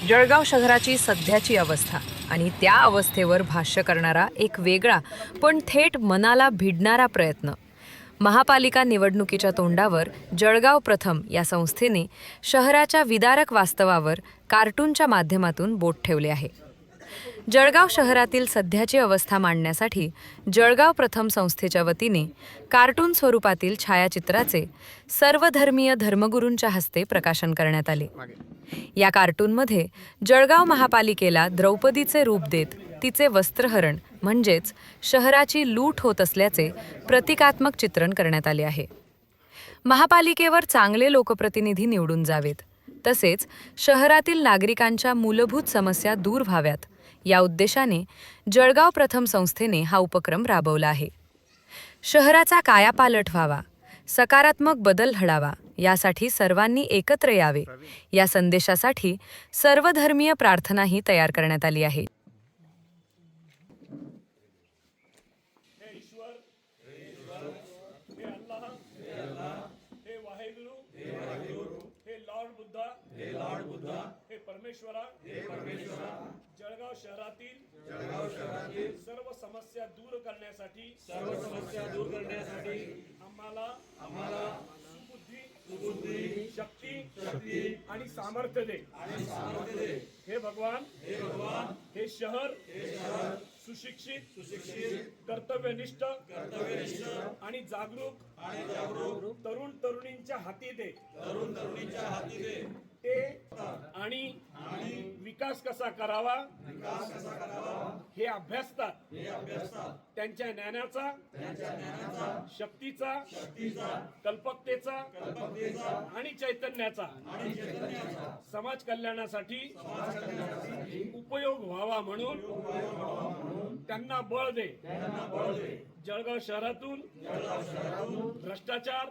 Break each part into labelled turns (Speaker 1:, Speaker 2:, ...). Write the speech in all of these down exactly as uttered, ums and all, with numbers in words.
Speaker 1: जळगाव शहराची सध्याची अवस्था आणि त्या अवस्थेवर भाष्य करणारा एक वेगळा पण थेट मनाला भिडणारा प्रयत्न. महापालिका निवडणुकीच्या तोंडावर जळगाव प्रथम या संस्थेने शहराच्या विदारक वास्तवावर कार्टूनच्या माध्यमातून बोट ठेवले आहे. जळगाव शहरातील सध्याची अवस्था मांडण्यासाठी जळगाव प्रथम संस्थेच्या वतीने कार्टून स्वरूपातील छायाचित्राचे सर्वधर्मीय धर्मगुरूंच्या हस्ते प्रकाशन करण्यात आले. या कार्टूनमध्ये जळगाव महापालिकेला द्रौपदीचे रूप देत तिचे वस्त्रहरण म्हणजेच शहराची लूट होत असल्याचे प्रतिकात्मक चित्रण करण्यात आले आहे. महापालिकेवर चांगले लोकप्रतिनिधी निवडून जावेत, तसेच शहरातील नागरिकांच्या मूलभूत समस्या दूर व्हाव्यात या उद्देशाने जळगाव प्रथम संस्थेने हा उपक्रम राबवला आहे. शहराचा कायापालट व्हावा, सकारात्मक बदल घडावा यासाठी सर्वांनी एकत्र यावे या संदेशासाठी सर्वधर्मीय प्रार्थनाही तयार करण्यात आली आहे.
Speaker 2: परमेश्वरा हे परमेश्वरा जळगाव शहरातील जळगाव शहरातील सर्व समस्या दूर करण्यासाठी सर्व समस्या दूर करण्यासाठी आम्हाला आम्हाला सुबुद्धी सुबुद्धी शक्ती शक्ती आणि सामर्थ्य दे आणि सामर्थ्य दे. हे भगवान हे भगवान हे शहर हे शहर सुशिक्षित सुशिक्षित कर्तव्यनिष्ठ कर्तव्यनिष्ठ आणि जागरूक आणि जागरूक तरुण तरुणींच्या हाती दे तरुण तरुणींच्या हाती दे. ते आणि विकास कसा करावा विकास कसा करावा हे अभ्यासतात हे अभ्यासतात त्यांच्या ज्ञानाचा त्यांच्या ज्ञानाचा शक्तीचा शक्तीचा कल्पकतेचा कल्पकतेचा आणि चैतन्याचा आणि चैतन्याचा समाज कल्याणासाठी समाज कल्याणासाठी उपयोग व्हावा म्हणून त्यांना बळ दे त्यांना बळ दे. जळगाव शहरातून जळगाव शहरातून भ्रष्टाचार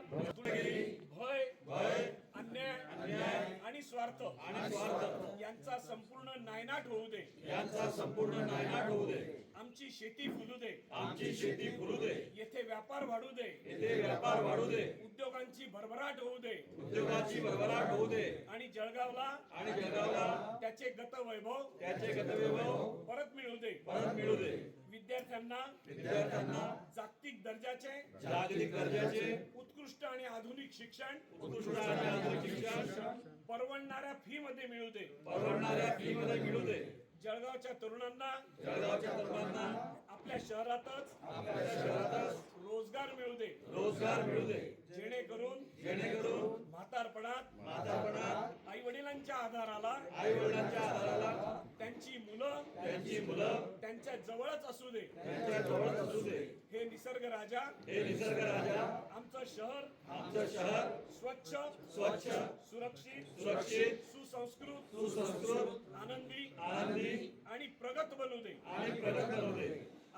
Speaker 2: भय भय अन्याय आणि स्वार्थ आणि स्वार्थ यांचा संपूर्ण नायनाट होऊ दे यांचा संपूर्ण नायनाट होऊ दे. आमची शेती फुलू दे आमची शेती फुलू दे. येथे व्यापार वाढू दे येथे व्यापार वाढू दे. उद्योगांची भरभराट होऊ दे उद्योगांची भरभराट होऊ दे. आणि जळगावला आणि जळगावला त्याचे गतवैभव त्याचे गतवैभव परत मिळू दे परत मिळू दे. विद्यार्थ्यांना विद्यार्थ्यांना जागतिक दर्जाचे जागतिक दर्जाचे उत्कृष्ट आणि आधुनिक शिक्षण उत्कृष्ट आणि आधुनिक शिक्षण परवडणाऱ्या फी मध्ये मिळू दे परवडणाऱ्या फी मध्ये मिळू दे. जळगावच्या तरुणांना जळगावच्या तरुणांना आपल्या शहरातच आपल्या शहरातच रोजगार मिळू दे रोजगार मिळू दे. जेणेकरून जेणेकरून म्हातारपणात म्हातारपणात आई वडिलांच्या आधाराला आई वडिलांच्या आधाराला त्यांची मुलं त्यांची मुलं त्यांच्या जवळच असू दे त्यांच्या जवळच असू दे. हे निसर्ग राजा हे निसर्ग राजा आमचं शहर आमचं शहर स्वच्छ स्वच्छ सुरक्षित सुरक्षित सुसंस्कृत सुसंस्कृत आनंदी आनंदी आणि प्रगत बनू दे आणि प्रगत बनू दे.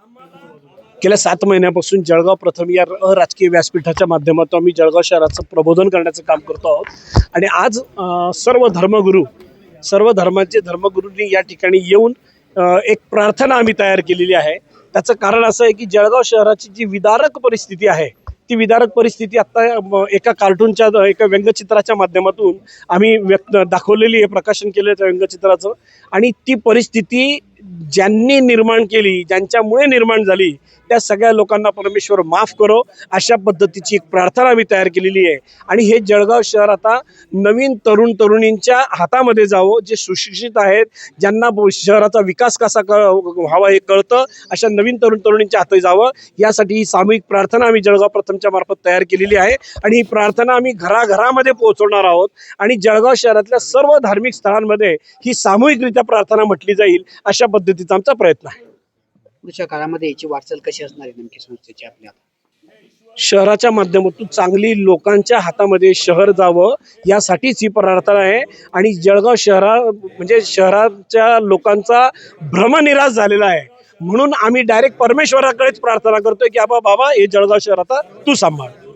Speaker 3: गेल्या सात महिन्यापासून जळगाव प्रथम या अराजकीय व्यासपीठाच्या माध्यमातून आम्ही जळगाव शहराचं प्रबोधन करण्याचं काम करतो आहोत. आणि आज सर्व धर्मगुरू सर्व धर्माचे धर्मगुरूंनी या ठिकाणी येऊन एक प्रार्थना आम्ही तयार केलेली आहे. त्याचं कारण असं आहे की जळगाव शहराची जी विदारक परिस्थिती आहे ती विदारक परिस्थिती आत्ता एका कार्टूनच्या एका व्यंगचित्राच्या माध्यमातून आम्ही व्यक्त दाखवलेली आहे, प्रकाशन केलं त्या व्यंगचित्राचं. आणि ती परिस्थिती ज्यांनी निर्माण केली ज्यांच्यामुळे निर्माण झाली त्या सगळ्या लोकांना परमेश्वर माफ करो अशा पद्धतीची एक प्रार्थना आम्ही तयार केलेली आहे. आणि हे जळगाव शहर आता नवीन तरुण तरुणींच्या हातामध्ये जावं, जे सुशिक्षित आहेत ज्यांना शहराचा विकास कसा क व्हावा हे कळतं अशा नवीन तरुण तरुणींच्या हाती जावं यासाठी ही सामूहिक प्रार्थना आम्ही जळगाव प्रथमच्या मार्फत तयार केलेली आहे. आणि ही प्रार्थना आम्ही घराघरामध्ये पोहोचवणार आहोत आणि जळगाव शहरातल्या सर्व धार्मिक स्थळांमध्ये ही सामूहिकरित्या प्रार्थना म्हटली जाईल अशा पद्धतीचा आमचा प्रयत्न आहे.
Speaker 4: पुढच्या काळामध्ये याची वाटचाल कशी असणार आहे नेमकी संस्थेची आपल्या
Speaker 3: शहराच्या माध्यमातून चांगली लोकांच्या हातामध्ये शहर जावं यासाठीच ही प्रार्थना आहे. आणि जळगाव शहरा म्हणजे शहराच्या लोकांचा भ्रमनिराश झालेला आहे म्हणून आम्ही डायरेक्ट परमेश्वराकडेच प्रार्थना करतोय की आबा बाबा हे जळगाव शहर आता तू सांभाळ.